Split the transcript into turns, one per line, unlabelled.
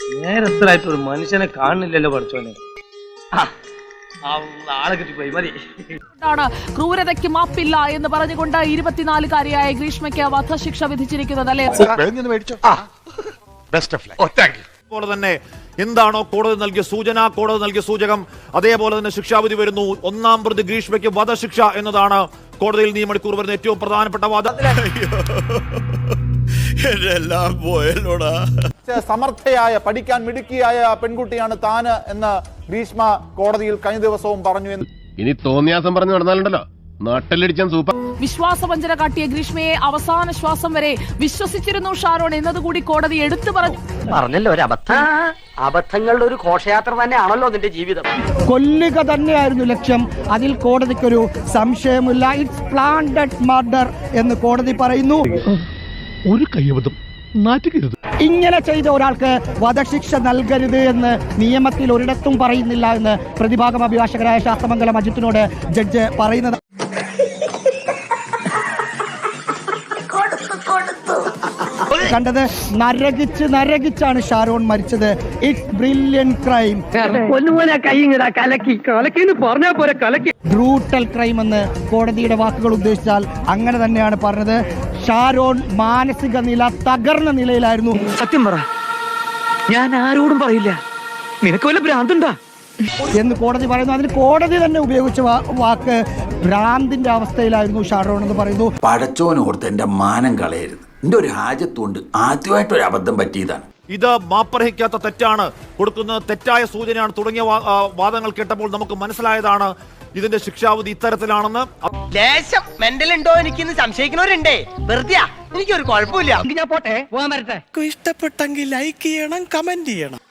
നേരത്തിലായിട്ട് ഒരു മനുഷ്യനെ കാണുന്നില്ലല്ലോ പഠിച്ചോനെ. ആളെ കിട്ടിപ്പോയി മതി.
ക്രൂരതയ്ക്ക് മാപ്പില്ല എന്ന് പറഞ്ഞുകൊണ്ട് 24-കാരിയായ ഗ്രീഷ്മയ്ക്ക് വധശിക്ഷ വിധിച്ചിരിക്കുന്നത് അല്ലേ?
പോലെ തന്നെ എന്താണോ കോടതി നൽകിയ സൂചന, കോടതി നൽകിയ സൂചകം, അതേപോലെ തന്നെ ശിക്ഷാവിധി വരുന്നു. 1-ാം പ്രതി ഗ്രീഷ്മയ്ക്ക് വധശിക്ഷ എന്നതാണ് കോടതിയിൽ ഈ മണിക്കൂർ വരുന്ന ഏറ്റവും പ്രധാനപ്പെട്ട വാദം.
സമർത്ഥയായ, പഠിക്കാൻ മിടുക്കിയായ പെൺകുട്ടിയാണ് താന് എന്ന് ഗ്രീഷ്മ കോടതിയിൽ കഴിഞ്ഞ ദിവസവും പറഞ്ഞു.
ഇനി തോന്നിയാസം പറഞ്ഞു നടന്നാലുണ്ടല്ലോ നാട്ടിലടിച്ചാൻ സൂപ്പർ.
വിശ്വാസവഞ്ചന കാട്ടിയ ഗ്രീഷ്മയെ അവസാന ശ്വാസം വരെ വിശ്വസിച്ചിരുന്നു ഷാരോൺ എന്നതുകൂടി കോടതി എടുത്തു
പറഞ്ഞല്ലോ. ഒരു അബദ്ധങ്ങളുടെ ഒരു ഘോഷയാത്ര തന്നെയാണല്ലോ അതിന്റെ ജീവിതം.
കൊല്ലുക തന്നെയായിരുന്നു ലക്ഷ്യം, അതിൽ കോടതിക്കൊരു സംശയമില്ല. ഇറ്റ്സ് പ്ലാന്റഡ് മർഡർ എന്ന് കോടതി പറയുന്നു.
ഒരു കയ്യബദ്ധം നാറ്റുകരുത്.
ഇങ്ങനെ ചെയ്ത ഒരാൾക്ക് വധശിക്ഷ നൽകരുത് എന്ന് നിയമത്തിൽ ഒരിടത്തും പറയുന്നില്ല എന്ന് പ്രതിഭാഗം അഭിഭാഷകരായ ശാസ്ത്രമംഗലം അജിത്തിനോട് ജഡ്ജ് പറയുന്നത്. കണ്ടത് നരകിച്ചാണ് ഷാരോൺ മരിച്ചത്. It's brilliant crime. Brutal crime എന്ന് കോടതിയുടെ വാക്കുകൾ ഉദ്ദേശിച്ചാൽ അങ്ങനെ തന്നെയാണ് പറഞ്ഞത്. ഷാരോൺ മാനസിക നില തകർന്ന നിലയിലായിരുന്നു.
സത്യം പറ, ഞാൻ ആരോടും പറയില്ല. നിനക്ക് വല്ല ഭ്രാന്തുണ്ടാ
എന്ന് കോടതി പറയുന്നു. അതിന് കോടതി തന്നെ ഉപയോഗിച്ച വാക്ക് ഭ്രാന്തിന്റെ അവസ്ഥയിലായിരുന്നു ഷാരോൺ എന്ന് പറയുന്നു.
പടച്ചോനോർത്ത് എന്റെ മാനം കളയരുത്. എന്റെ ഒരു ഹാജത്തുകൊണ്ട് ആദ്യമായിട്ടൊരു അബദ്ധം പറ്റിയതാണ്.
ഇത് മാപ്പർഹിക്കാത്ത തെറ്റാണ്, കൊടുക്കുന്നത് തെറ്റായ സൂചനയാണ് തുടങ്ങിയ വാദങ്ങൾ കേട്ടപ്പോൾ നമുക്ക് മനസ്സിലായതാണ് ഇതിന്റെ ശിക്ഷാവിധി ഇത്തരത്തിലാണെന്ന്.
ലേശം മെന്റൽ ഉണ്ടോ എനിക്കിന്ന് സംശയിക്കുന്നവരുണ്ടേ. വെറുതെ എനിക്കൊരു കുഴപ്പമില്ല. ഞാൻ പോട്ടെ, പോകാൻ വരട്ടെ.
ഇഷ്ടപ്പെട്ടെങ്കിൽ ലൈക്ക് ചെയ്യണം, കമന്റ് ചെയ്യണം.